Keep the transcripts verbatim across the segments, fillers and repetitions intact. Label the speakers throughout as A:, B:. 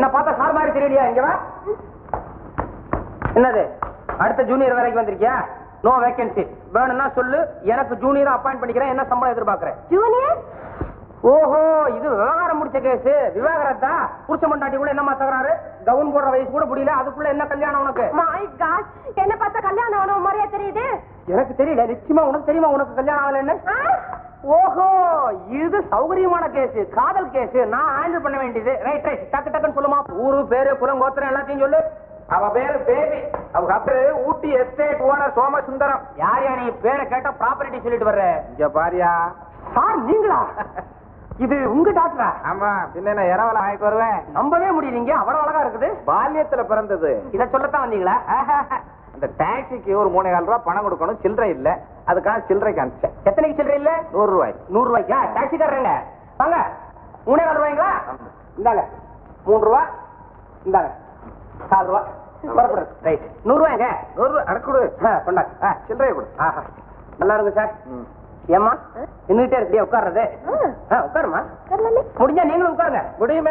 A: பார்த்தா சார் மாதிரி தெரியலையா? இங்க வா. என்னது அடுத்த ஜூனியர் வரைக்கும் வந்திருக்கியா? No vacancy. வேணும்னா சொல்லு, எனக்கு ஜூனியர் அப்பாயிண்ட் பண்ணிக்கிறேன். என்ன சம்பளம் எதிர்பார்க்கறேன்?
B: ஜூனியர்?
A: ஓஹோ, இது விவகாரம் முடிச்ச கேஸ். விவாகரத்தா? புருஷ மண்டாட்டி கூட என்னமா தகராறு? கவுன் போடுற வயசு கூட முடியல, அதுக்குள்ள என்ன கல்யாணம் உனக்கு?
B: மை காட், என்ன பார்த்தா கல்யாணம் ஆன மாதிரியா தெரியுது?
A: எனக்கு தெரியல. நிச்சயமா உனக்கு தெரியுமா உனக்கு கல்யாணம் ஆகல? என்ன? ஓஹோ, இது சௌகரியமான கேஸ், காதல் கேஸ். நான் ஹேண்டில் பண்ண வேண்டியது. ரைட் ரைட், டக்கு டக்குன்னு சொல்லுமா. ஊரு பேரு குலம் கோத்திரம் எல்லாத்தையும் சொல்லு.
C: அவ பேரு பேபி. அவங்க பேரு ஊட்டி எஸ்டேட் ஓனர் சோமசுந்தரம்.
A: யார் யா நீ? பேரை கேட்டா ப்ராப்பர்ட்டி சொல்லிட்டு வர்ற.
C: இங்க பாரியா.
A: சார் நீங்களா? இது உங்க டாக்டரா?
C: ஆமா, பின்ன என்ன இரவல ஆயிட்டு வருவேன்.
A: நம்பவே முடியலீங்க, அவ்வளவு அழகா இருக்குது.
C: பால்யத்துல பிறந்தது.
A: இத சொல்லத்தான் வந்தீங்களா?
C: இந்த டாக்ஸிக்கு ஒரு மூணே கால் ரூபாய் பணம் கொடுக்கணும், சில்லறை இல்ல. அதுக்காக சில்லறைக்கு அனுப்பிச்சேன்.
A: எத்தனைக்கு சில்லறை இல்ல?
C: நூறு ரூபாய்.
A: நூறு ரூபாய்க்கா? டாக்ஸிக்காரங்க வாங்க. மூணே கால் ரூபாய்ங்களா? இந்தாங்க மூணு ரூபா. இந்தாங்க நாலு ரூபா. ரைட், நூறு ரூபாய்ங்க.
C: நூறு ரூபாய் அடக்குடு.
A: கொண்டாங்க.
C: சில்லறையை கொடு.
A: ஆஹா, நல்லா இருக்கு சார். ஏமா நின்றுட்டே இருக்கியா? உட்கார்றது. உட்காருமா. முடிஞ்சா நீங்களும் உட்காருங்க.
C: முடியுமே.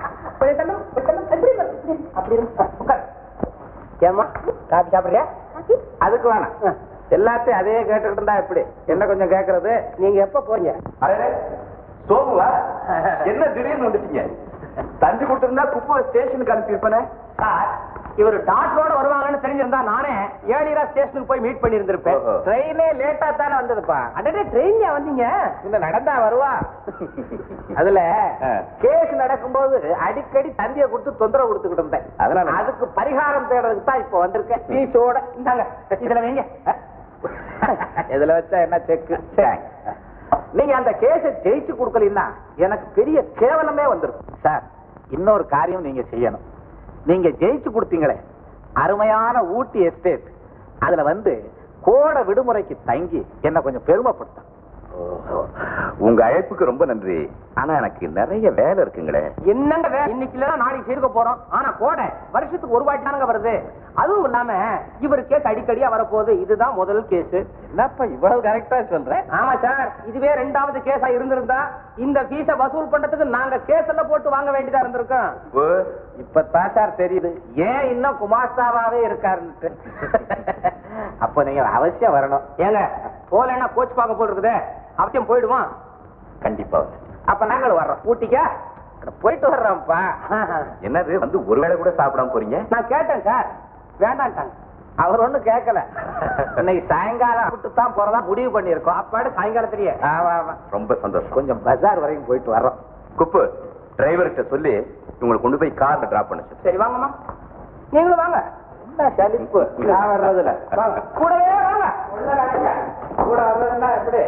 A: அப்படி உட்காரு. ஏமா காபி சாப்பிடுறியா?
C: அதுக்கு வேணாம், எல்லாத்தையும் அதே கேட்டுக்கிட்டு இருந்தா எப்படி? என்ன கொஞ்சம் கேட்கறது.
A: நீங்க எப்ப போறீங்க?
C: சோமுவா, என்ன திடீர்னு வந்துட்டீங்க? தஞ்சு கொடுத்திருந்தா குப்பை ஸ்டேஷனுக்கு அனுப்பியிருப்பேனே.
A: சார், இவர் டாக்டரோட வருவாங்கன்னு தெரிஞ்சிருந்தா நானே ஏழிரா ஸ்டேஷனுக்கு போய் மீட் பண்ணி இருந்திருப்பேன்.
C: ட்ரெயினே லேட்டா தானே வந்ததுப்பா.
A: அடடே, ட்ரெயின்ல வந்தீங்க?
C: இந்த நடந்தா வருவா. அதுல கேஸ் நடக்கும்போது அடிக்கடி தந்திய கொடுத்து தொந்தரவு கொடுத்துக்கிட்டு இருந்தேன். அதனால அதுக்கு பரிகாரம் தேடுறதுக்கு தான் இப்ப வந்திருக்கேன். பீஸோட.
A: இந்தாங்க, இதுல வைங்க.
C: இதுல வச்சா என்ன செக்கு? நீங்க அந்த கேஸ ஜெயிச்சு கொடுக்கலன்னா எனக்கு பெரிய கேவலமே வந்திருக்கும். சார், இன்னொரு காரியம் நீங்க செய்யணும். நீங்க ஜெயிச்சு கொடுத்தீங்களே அருமையான ஊட்டி எஸ்டேட், அதுல வந்து கோடை விடுமுறைக்கு தங்கி என்ன கொஞ்சம் பெருமைப்படுத்த.
D: உங்க அழைப்புக்கு ரொம்ப நன்றி. ஆனா எனக்கு நிறைய வேலை இருக்குங்களே.
A: என்னங்க வேலை? இன்னைக்கு இல்ல நாளைக்கு சேர்க்க போறோம். ஆனா கோடை வருஷத்துக்கு ஒரு வாட்டி தானங்க வருது. அதுவும் இல்லாம இவர் கேஸ் அடிக்கடியா வரப்போகுது. இதுதான் முதல் கேஸ்.
C: என்னப்பா இவ்வளவு கரெக்டா சொல்றேன்?
A: ஆமா சார், இதுவே ரெண்டாவது கேஸா இருந்திருந்தா இந்த ஃபீஸ வசூல் பண்றதுக்கு நாங்க கேஸ் எல்லாம் போட்டு வாங்க வேண்டியதா இருந்திருக்கோம்.
C: இப்பதான் சார் தெரியுது ஏன் இன்னும் குமாஸ்தாவாவே இருக்காருன்னு. அப்ப நீங்க அவசியம் வரணும்.
A: ஏங்க போலன்னா கோச் பார்க்க போல் இருக்குது. அவசியம் போயிடுவான்.
D: கண்டிப்பா.
C: அப்ப நாங்களும் வர்றோம். ஊட்டிக்கா போயிட்டு வர்றோம்ப்பா.
D: என்னது வந்து ஒருவேளை கூட சாப்பிடாம போறீங்க?
A: நான் கேட்டேன் சார், வேண்டான்ட்டாங்க.
C: அவர் ஒண்ணும் கேட்கல. இன்னைக்கு சாயங்காலம் விட்டு தான் போறதா முடிவு பண்ணிருக்கோம்.
A: அப்பாடு சாயங்காலத்திலேயே.
C: ஆமா ஆமா,
D: ரொம்ப சந்தோஷம்.
C: கொஞ்சம் பஜார் வரைக்கும் போயிட்டு வர்றோம்.
D: குப்பு, டிரைவர்கிட்ட சொல்லி உங்களை கொண்டு போய் கார்ல டிராப் பண்ண சொல்லு.
A: சரி வாங்கம்மா, நீங்களும் வாங்க.
C: என்ன சலிப்பு நான் வர்றதுல.
A: கூடவே வாங்க.
C: கூட வர்றதுன்னா எப்படி?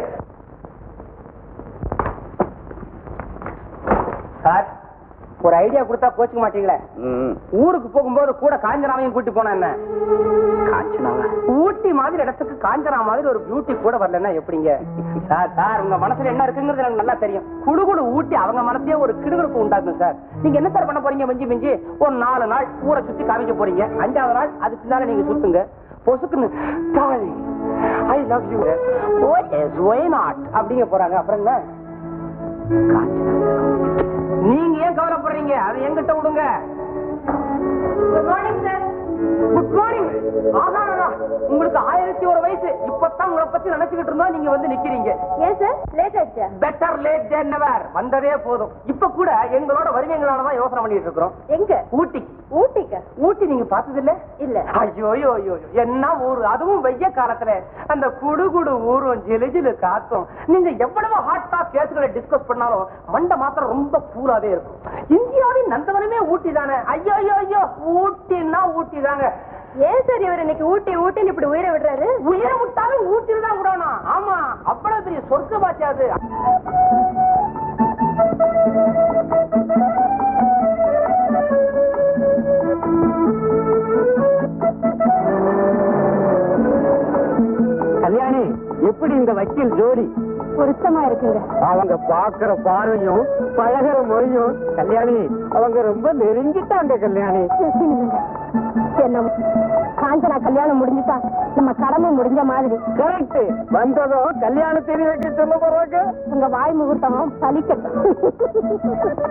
A: சார், ஒரு ஐடியா கொடுத்தா கோச்சுக்க மாட்டீங்களே. ஊருக்கு போகும்போது கூட காஞ்சனாவையும் கூட்டி போனா என்ன?
D: காஞ்சனாவா?
A: ஊட்டி மாதிரி இடத்துக்கு காஞ்சனா மாதிரி ஒரு பியூட்டி கூட வரலன்னா எப்படிங்க? சார் சார், உங்க மனசுல என்ன இருக்குங்கிறது எனக்கு நல்லா தெரியும். குடுகுடு ஊட்டி அவங்க மனசே ஒரு கிடுகிடுப்பு உண்டாக்கும் சார். நீங்க என்ன சார் பண்ண போறீங்க? மிஞ்சி மிஞ்சி ஒரு நாலு நாள் ஊரை சுத்தி காமிக்க போறீங்க. அஞ்சாவது நாள் அதுக்கு பின்னால நீங்க சுத்துங்க. பொசுக்குன்னு I love you, oh yes why not அப்படிங்க போறாங்க. அப்புறம் என்ன? நீங்க ஏன் கவலைப்படுறீங்க? அதை எங்கிட்ட விடுங்க.
B: Good morning sir.
A: Good morning. ஆகாரா, உங்களுக்கு ஆயிரத்தி ஒரு வயசு. இப்பதான் உங்களை பத்தி நினைச்சுக்கிட்டு இருந்தோம், நீங்க வந்து நிக்கிறீங்க.
B: ஏன் சார் லேட் ஆயிடுச்சா?
A: Better late than never. வந்ததே போதும். இப்ப கூட எங்களோட வருவீங்களானதான் யோசனை பண்ணிட்டு இருக்கிறோம்.
B: எங்க?
A: ஊட்டி.
B: ஊட்டிக்கா?
A: ஊட்டி நீங்க பார்த்தது இல்ல?
B: இல்ல.
A: ஐயோ ஐயோ, என்ன ஊரு, அதுவும் வெய்ய காலத்துல அந்த குடு குடு ஊரும் ஜிலு ஜிலு காத்தும். நீங்க எவ்வளவு ஹாட்டா கேஸ்களை டிஸ்கஸ் பண்ணாலும் மண்டை மாத்திரம் ரொம்ப கூலாவே இருக்கும். இந்தியாவின் நந்தவனமே ஊட்டி தானே. ஐயோ ஐயோ ஐயோ, ஊட்டின்னா ஊட்டி தாங்க.
B: ஏன் சார் இவர் இன்னைக்கு ஊட்டி ஊட்டின்னு இப்படி உயிரை விடுறாரு?
A: உயிரை விட்டாலும் ஊட்டில் தான் விடணும். ஆமா, அவ்வளவு பெரிய சொர்க்க பாட்சி அது. கல்யாணி, எப்படி இந்த வக்கீல் ஜோடி?
B: பொருத்தமா இருக்குங்க.
A: அவங்க பாக்குற பார்வையும் பழகிற மொழியும். கல்யாணி, அவங்க ரொம்ப நெருங்கிட்டாங்க. கல்யாணி,
B: என்ன காஞ்சனா கல்யாணம் முடிஞ்சுட்டா நம்ம கடமை முடிஞ்ச மாதிரி.
A: கரெக்ட். வந்ததும் கல்யாணம் தெரிய வைக்க சொல்ல போறாங்க.
B: உங்க வாய் முகூர்த்தமும் பலிக்கட்டும்.